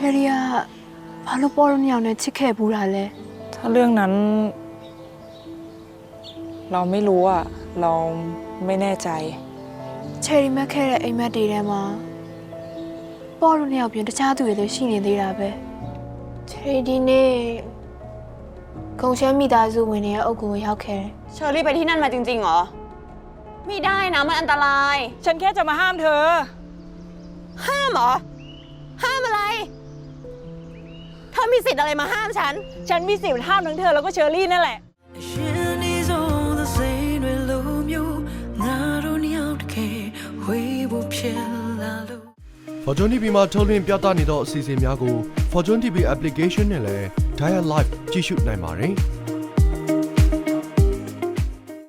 รี่อะพาลูกปอรุ่นยาวเนี่ยชิคแค่บูราเลยถ้าเรื่องนั้นเราไม่รู้อ่ะเราไม่แน่ใจเชอรี่แม่แค่ไอ้แม่ดีได้มาปอรุ่นยาวเปลี่ยนตาชาตัวเลยชิနေသေးတာပဲเชอรี่ဒီနေ့ကုံရှမ်းမိသားစုဝင်တွေရဲ့အုပ်ကိုရောက်ခဲ့တယ်เชอรี่ไปที่นั่นมาจริงๆเหรอไม่ได้นะมันอันตรายฉันแค่จะมาห้ามเธอห้ามเหรอห้ามอะไรเธอมีสิทธิ์อะไรมาห้ามฉันมีสิทธิ์ห้ามทั้งเธอแล้วก็เชอรี่นั่นแหละ Fortune TV မှာထုတ်လွှင့်ပြသနေသောအစီအစဉ်များကို Fortune TV application နဲ့လည်း Dial Live ကြည့်ရှုနိုင်ပါတယ်။